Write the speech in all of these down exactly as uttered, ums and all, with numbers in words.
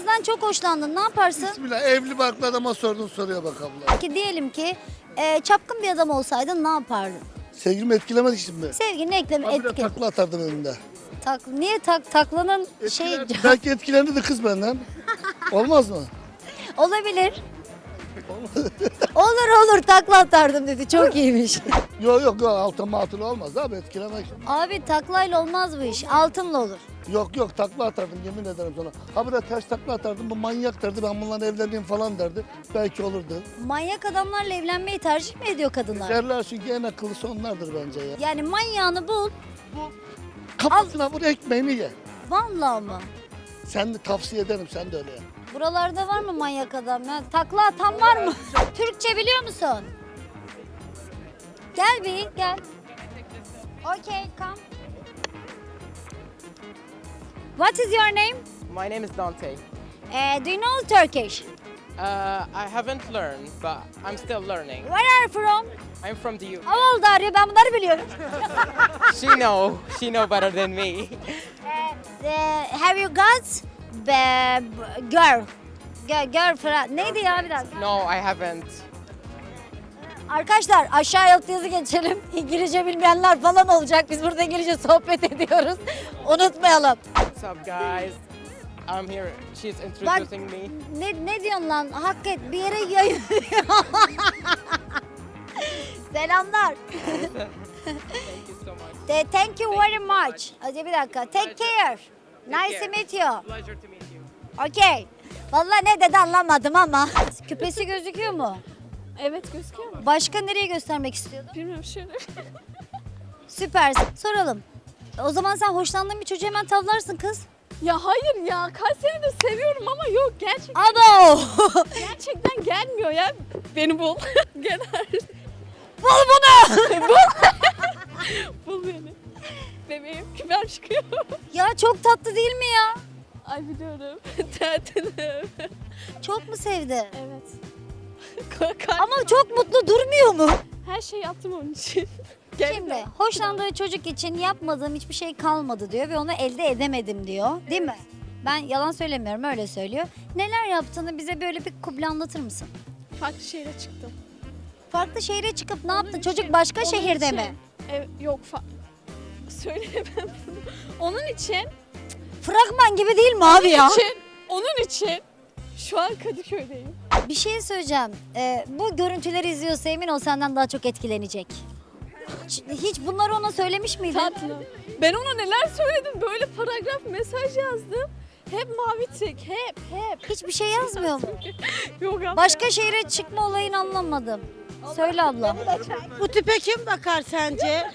kızdan çok hoşlandın. Ne yaparsın? Bismillah, evli barklı adama sorduğun soruya bak abla. Ki diyelim ki e, çapkın bir adam olsaydın ne yapardın? Sevgilimi etkilemedik şimdi. Sevgini ekleme Habire etki. takla atardım önünde. Tak, niye tak taklanın şey Etkiler, belki etkilendi de kız benden. Olmaz mı? olabilir. olur olur takla atardım dedi. Çok iyiymiş. Yok yok yok, altın matın olmaz abi, etkilemek. Abi taklayla olmaz bu iş. Altınla olur. Yok yok, takla atardım yemin ederim sana. Habire ters takla atardım, bu manyak derdi, ben bununla evleneyim falan derdi. Belki olurdu. Manyak adamlarla evlenmeyi tercih mi ediyor kadınlar? Derler çünkü en akıllısı onlardır bence ya. Yani manyağını bul. Kafasına vur, ekmeğini ye. Vallahi mı? Sen de tavsiye ederim, sen de öyle ya. Buralarda var mı manyak adam ya? Takla atan var mı? Türkçe biliyor musun? Gel bir gel. Okay, come. What is your name? My name is Dante. Uh, do you know Turkish? Uh, I haven't learned, but I'm still learning. Where are you from? I'm from the U. How old are you? Ben bunları biliyorum. She know, she know better than me. Uh, uh, have you got b- b- girl? Girl, girlfriend. Neydi ya bir dakika? No, I haven't. Arkadaşlar aşağıya alt yazı geçelim. İngilizce bilmeyenler falan olacak. Biz burada İngilizce sohbet ediyoruz. Unutmayalım. What's up, guys? I'm here. She's Bak introducing me. ne, ne diyorsun lan? Hak et bir yere yayın. Selamlar. Thank you so much. De, thank you very much. Hadi bir dakika. Take care. Nice to meet you. Pleasure to meet you. Okay. Vallahi ne dedi anlamadım ama. Küpesi gözüküyor mu? Evet gözüküyor mu? Başka nereye göstermek istiyordun? Bilmiyorum şöyle. Süpersin. Soralım. O zaman sen hoşlandığın bir çocuğu hemen tavlarsın kız. Ya hayır ya kaç senedir seviyorum ama yok gerçekten Abo! gerçekten gelmiyor ya. Beni bul. Gel Bul bunu! bul beni. Bebeğim küper çıkıyor. Ya çok tatlı değil mi ya? Ay biliyorum. Tertemiz. Çok mu sevdi? Evet. Kalp- Ama çok mutlu durmuyor mu? Her şeyi yaptım onun için. Şimdi hoşlandığı çocuk için yapmadığım hiçbir şey kalmadı diyor ve onu elde edemedim diyor. Değil mi? Ben yalan söylemiyorum öyle söylüyor. Neler yaptığını bize böyle bir kuble anlatır mısın? Farklı şehre çıktım. Farklı şehre çıkıp ne yaptın? Onun Çocuk için- başka onun şehirde için- mi? Evet, yok fa- söyleyemem bunu. Onun için, Fragman gibi değil mi abi ya? için, onun için şu an Kadıköy'deyim. Bir şey söyleyeceğim. Ee, bu görüntüleri izliyorsa emin ol senden daha çok etkilenecek. Hiç, hiç bunları ona söylemiş miydin? Tatlı. Ben ona neler söyledim, böyle paragraf mesaj yazdım. Hep mavi tik, hep, hep. Hiçbir şey yazmıyor mu? Yok abla. Başka şehre çıkma olayını anlamadım. Söyle abla. Bu tipe kim bakar sence?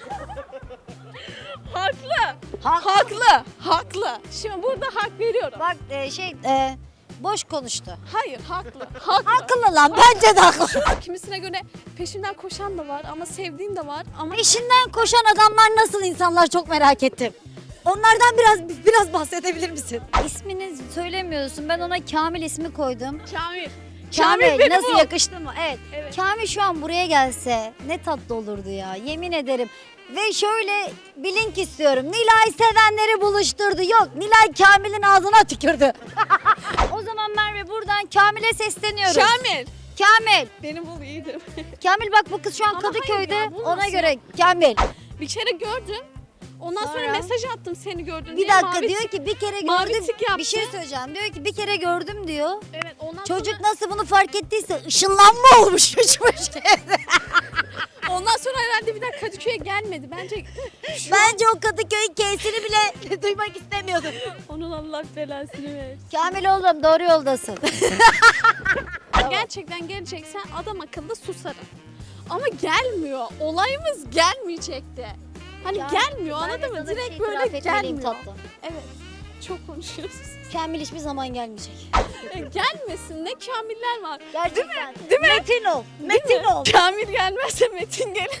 Haklı. Haklı. Haklı. Haklı. Şimdi burada hak veriyorum. Bak e, şey e, boş konuştu. Hayır, haklı. Haklı. Haklı lan bence de haklı. Kimisine göre peşimden koşan da var ama sevdiğim de var. Ama Peşinden koşan adamlar nasıl insanlar çok merak ettim. Onlardan biraz biraz bahsedebilir misin? İsmini söylemiyorsun. Ben ona Kamil ismi koydum. Kamil. Kamil, beni nasıl bul. yakıştı mı? Evet. Evet. Kamil şu an buraya gelse ne tatlı olurdu ya. Yemin ederim. Ve şöyle bir link istiyorum. Nilay sevenleri buluşturdu. Yok Nilay Kamil'in ağzına tükürdü. O zaman Merve buradan Kamil'e sesleniyoruz. Kamil. Kamil. Beni bul iyiydim. Kamil bak bu kız şu an Ama hayır Kadıköy'de. ya, bu Ona nasıl? göre Kamil. Bir kere gördüm. Ondan sonra, Sonra? mesaj attım seni gördün Bir diye. dakika mavi diyor tik- ki bir kere mavi gördüm. tik yaptı. Bir şey söyleyeceğim. Diyor ki bir kere gördüm diyor. Evet ondan Çocuk sonra, nasıl bunu fark ettiyse ışınlanma olmuş uçmuş evde. ondan sonra herhalde bir daha Kadıköy'e gelmedi. Bence şu Bence o Kadıköy'ün K'sini bile duymak istemiyordum. onun Allah belasını versin. Kamil oğlum doğru yoldasın. Gerçekten geleceksen adam akıllı susarım. Ama gelmiyor. Olayımız gelmeyecekti. Hani Ya, gelmiyor ben de anladın mı? sana bir Direkt şey böyle itiraf etmeliyim gelmiyor. tatlım. Evet. Çok konuşuyoruz. Kamil hiçbir zaman gelmeyecek. E, gelmesin. Ne kamiller var. Gerçekten. Değil mi? Metin ol. Değil Metin mi? ol. Kamil gelmezse Metin gelir.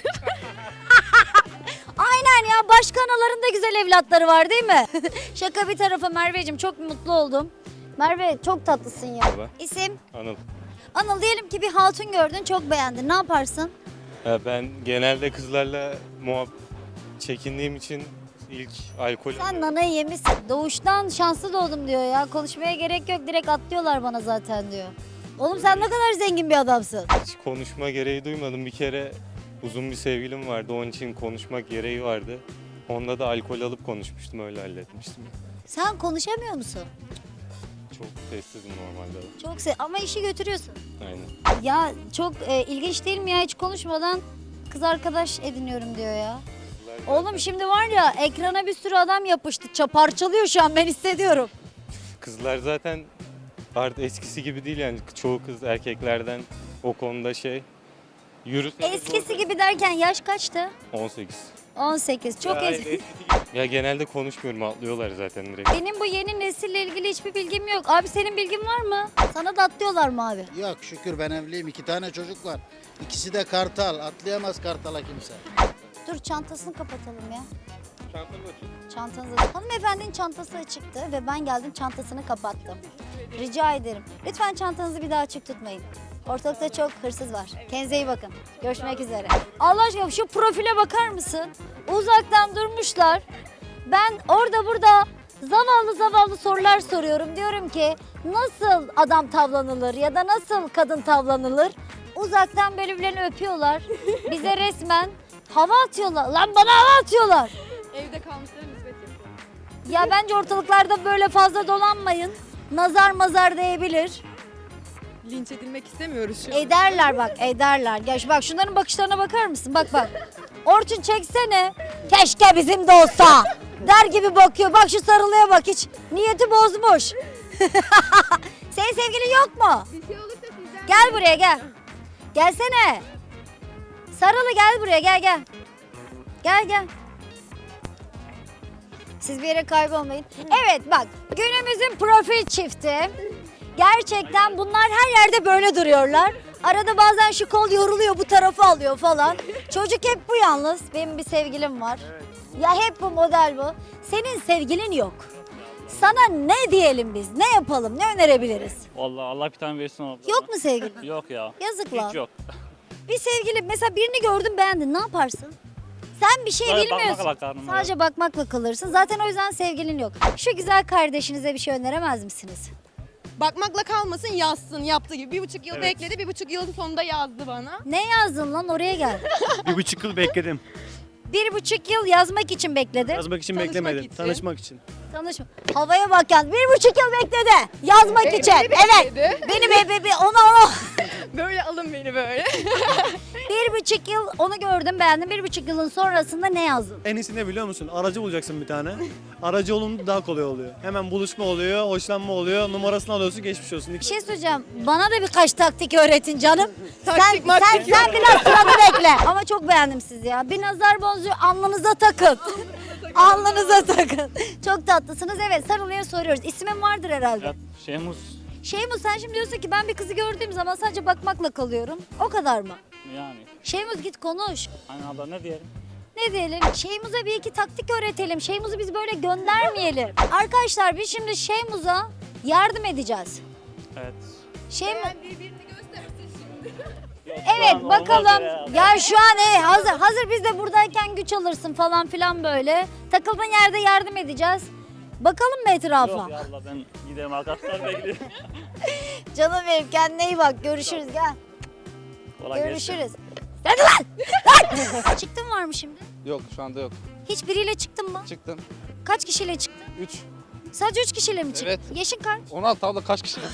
Aynen ya başka anaların da güzel evlatları var değil mi? Şaka bir tarafa Merveciğim çok mutlu oldum. Merve çok tatlısın ya. Merhaba. İsim? Anıl. Anıl diyelim ki bir hatun gördün çok beğendin. Ne yaparsın? Ya ben genelde kızlarla muhab çekindiğim için İlk alkol. Sen nanayı yemişsin. Doğuştan şanslı doğdum diyor ya. Konuşmaya gerek yok. Direkt atlıyorlar bana zaten diyor. Oğlum sen ne kadar zengin bir adamsın. Hiç konuşma gereği duymadım. Bir kere uzun bir sevgilim vardı. Onun için konuşmak gereği vardı. Onda da alkol alıp konuşmuştum. Öyle halletmiştim. Sen konuşamıyor musun? Çok sessizim normalde. Çok se ama işi götürüyorsun. Aynen. Ya çok e, ilginç değil mi ya? Hiç konuşmadan kız arkadaş ediniyorum diyor ya. Oğlum şimdi var ya ekrana bir sürü adam yapıştı. Ça- Parçalıyor şu an ben hissediyorum. Kızlar zaten artık eskisi gibi değil yani. Çoğu kız erkeklerden o konuda şey. Yürüseniz Eskisi gibi derken yaş kaçtı? on sekiz. on sekiz. Çok ya, eski. ya genelde konuşmuyorum, atlıyorlar zaten direkt. Benim bu yeni nesille ilgili hiçbir bilgim yok. Abi senin bilgin var mı? Sana da atlıyorlar mı abi? Yok şükür ben evliyim. İki tane çocuk var. İkisi de kartal. Atlayamaz kartala kimse. Dur çantasını kapatalım ya. Çantanızı açık. Hanımefendinin çantası açıktı ve ben geldim çantasını kapattım. Rica ederim. Lütfen çantanızı bir daha açık tutmayın. Ortalıkta çok hırsız var. Kendinize iyi bakın. Görüşmek üzere. Allah aşkına şu profile bakar mısın? Uzaktan durmuşlar. Ben orada burada zavallı zavallı sorular soruyorum. Diyorum ki nasıl adam tavlanılır ya da nasıl kadın tavlanılır? Uzaktan birbirlerini öpüyorlar. Bize resmen hava atıyorlar. Lan bana hava atıyorlar. Evde kalmışlara nispet yapıyor. Ya bence ortalıklarda böyle fazla dolanmayın. Nazar mazar değebilir. Linç edilmek istemiyoruz şu an. Ederler bak ederler. Ya şu, bak şunların bakışlarına bakar mısın? Bak bak. Orçun çeksene. Keşke bizim de olsa. Der gibi bakıyor. Bak şu sarılıya bak hiç. Niyeti bozmuş. Senin sevgilin yok mu? Gel buraya gel. Gelsene. Sarılı gel buraya gel gel. Gel gel. Siz bir yere kaybolmayın. Evet bak günümüzün profil çifti. Gerçekten bunlar her yerde böyle duruyorlar. Arada bazen şu kol yoruluyor bu tarafı alıyor falan. Çocuk hep bu yalnız. Benim bir sevgilim var. Ya hep bu model bu. Senin sevgilin yok. Sana ne diyelim biz? Ne yapalım? Ne önerebiliriz? Vallahi Allah bir tane versin abla. Yok mu sevgilin? Yok ya. Yazık lan. Hiç yok. Bir sevgili mesela birini gördün beğendin ne yaparsın? Sen bir şey Sadece bilmiyorsun. bakmakla karnım Sadece bakmakla kalırsın. Zaten o yüzden sevgilin yok. Şu güzel kardeşinize bir şey öneremez misiniz? Bakmakla kalmasın yazsın yaptığı gibi. Bir buçuk yıl Evet. bekledi, bir buçuk yılın sonunda yazdı bana. Ne yazdın lan oraya gel. Bir buçuk yıl bekledim. Bir buçuk yıl yazmak için bekledi. Yazmak için Tanışmak beklemedim. için. Tanışmak için. Tanışma. Havaya bak yani. Bir buçuk yıl bekledi. Yazmak için. Evet. Benim bebeği ona ona. Böyle alın beni böyle. Bir buçuk yıl onu gördüm beğendim. Bir buçuk yılın sonrasında ne yazdın? En iyisi ne biliyor musun? Aracı bulacaksın bir tane. Aracı olunca daha kolay oluyor. Hemen buluşma oluyor, hoşlanma oluyor. Numarasını alıyorsun, geçmiş olsun. Bir şey söyleyeceğim. Bana da birkaç taktik öğretin canım. Taktik, sen, sen, maktik sen biraz sıranı bekle. Ama çok beğendim sizi ya. Bir nazar boncuğu alnınıza takın. Alnınıza takın. Çok tatlısınız. Evet Sarılı'ya soruyoruz. İsmin vardır herhalde. Ya, Şehmus Şeymus sen şimdi diyorsun ki ben bir kızı gördüğüm zaman sadece bakmakla kalıyorum. O kadar mı? yani. Şeymus git konuş. Hani abla ne diyelim? Ne diyelim? Şeymuz'a bir iki taktik öğretelim. Şeymuz'u biz böyle göndermeyelim. Arkadaşlar biz şimdi Şeymuz'a yardım edeceğiz. Evet. Şeymuz... Birbirini göstersin şimdi. Yok, şu Evet an olmaz bakalım. ya. Ya şu an e, hazır hazır biz de buradayken güç alırsın falan filan böyle. Takıldığın yerde yardım edeceğiz. Bakalım mı etrafa? Yok ya abla ben gidelim arkadaşlar bekliyorum. Canım benim kendine iyi bak. Görüşürüz gel. Kolay gelsin. Görüşürüz. Hadi lan! Lan! Çıktın var mı şimdi? Yok şu anda yok. Hiç biriyle çıktın mı? Çıktım. Kaç kişiyle çıktın? üç. Sadece üç kişiyle mi çıktın? Evet. Yaşın kaç? on altı abla kaç kişi?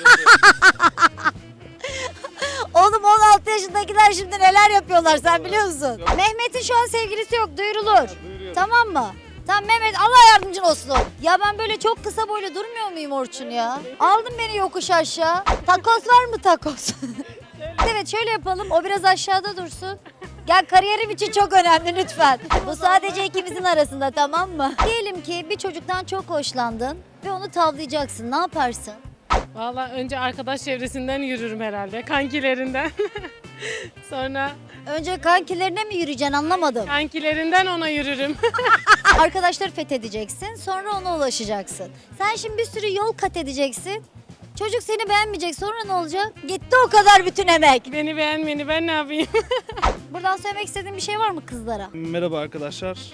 Oğlum on altı yaşındakiler şimdi neler yapıyorlar sen biliyor musun? Mehmet'in şu an sevgilisi yok duyurulur. Tamam mı? Tamam Mehmet Allah yardımcın olsun. Ya ben böyle çok kısa boylu durmuyor muyum Orçun ya? Aldın beni yokuş aşağı. Takos var mı takos? Evet şöyle yapalım o biraz aşağıda dursun. Gel kariyerim için çok önemli lütfen. Bu sadece ikimizin arasında tamam mı? Diyelim ki bir çocuktan çok hoşlandın ve onu tavlayacaksın ne yaparsın? Valla önce arkadaş çevresinden yürürüm herhalde, kankilerinden. Sonra Önce kankilerine mi yürüyeceksin anlamadım. kankilerinden ona yürürüm. Arkadaşları fethedeceksin, sonra ona ulaşacaksın. Sen şimdi bir sürü yol kat edeceksin. Çocuk seni beğenmeyecek, sonra ne olacak? Gitti o kadar bütün emek. Beni beğenmeyeni ben ne yapayım? Buradan söylemek istediğin bir şey var mı kızlara? Merhaba arkadaşlar.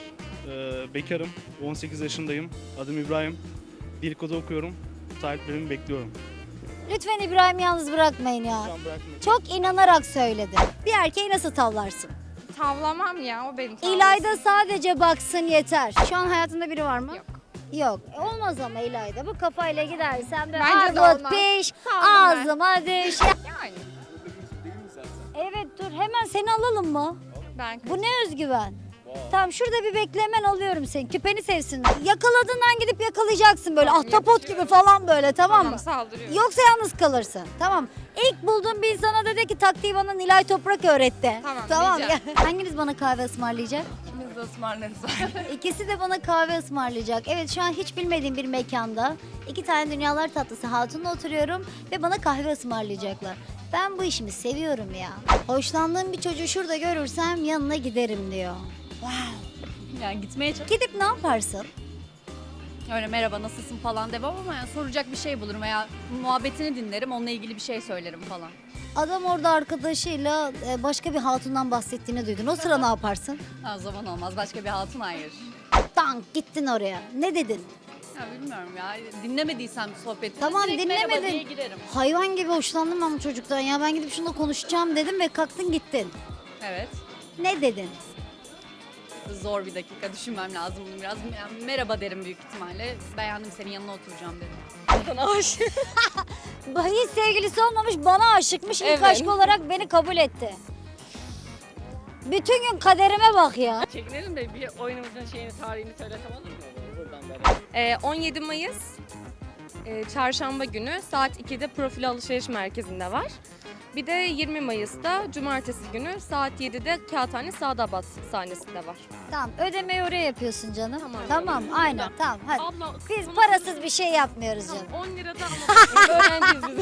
Ee, bekarım. on sekiz yaşındayım. Adım İbrahim. Dil kodu okuyorum. Sahiplerimi bekliyorum. Lütfen İbrahim'i yalnız bırakmayın ya. Şu an bırakmıyorum. Çok inanarak söyledi. Bir erkeği nasıl tavlarsın? Tavlamam ya o beni İlayda sadece baksın yeter. Şu an hayatında biri var mı? Yok. Yok. E, Olmaz ama İlayda. Bu kafayla gidersen böyle Bence de armut olmaz. piş, Saldım ben. ağzıma düş. Yani Evet dur hemen seni alalım mı? ben Bu ne özgüven? Tamam şurada bir beklemen alıyorum seni. Küpeni sevsin. Yakaladığından gidip yakalayacaksın böyle Tamam, ahtapot yapışıyorum. gibi falan böyle tamam, tamam mı? saldırıyorum. Yoksa yalnız kalırsın. Tamam. İlk bulduğum bir insana dedi ki taktiği bana Nilay Toprak öğretti. Tamam, Tamam. diyeceğim. Hanginiz bana kahve ısmarlayacak? İkimiz de ısmarlarız. İkisi de bana kahve ısmarlayacak. Evet şu an hiç bilmediğim bir mekanda iki tane dünyalar tatlısı hatunla oturuyorum ve bana kahve ısmarlayacaklar. Ben bu işimi seviyorum ya. Hoşlandığım bir çocuğu şurada görürsem yanına giderim diyor. Yani gitmeye çalış. Gidip ne yaparsın? Öyle merhaba nasılsın falan demem ama yani soracak bir şey bulurum veya muhabbetini dinlerim, onunla ilgili bir şey söylerim falan. Adam orada arkadaşıyla e, başka bir hatundan bahsettiğini duydun. O sıra ne yaparsın? Ha, o zaman olmaz. Başka bir hatun hayır. Tank gittin oraya. Ne dedin? Ya bilmiyorum ya. Dinlemediysem sohbetini Tamam, direkt merhaba dinlemedin. diye girerim. Hayvan gibi hoşlandım ben bu çocuktan ya. Ben gidip şununla konuşacağım dedim ve kalktın gittin. Evet. Ne dedin? Zor bir dakika düşünmem lazım bunu biraz. Yani merhaba derim büyük ihtimalle. Beğendim senin yanına oturacağım dedim. Hiç sevgilisi olmamış bana aşıkmış. İlk Evet. aşk olarak beni kabul etti. Bütün gün kaderime bak ya. Çekinelim de bir oyunumuzun şeyini, tarihini söylesem olur mu? Buradan beri. Ee, on yedi Mayıs e, çarşamba günü saat ikide Profil Alışveriş Merkezi'nde var. Bir de yirmi Mayıs'ta cumartesi günü saat yedide Kağıthane Sadabat sahnesinde var. Tamam ödemeyi oraya yapıyorsun canım. Tamam. Tamam aynen tamam hadi. Abla Biz parasız bir şey yapmıyoruz canım. on lirada ama öğrenciyiz biz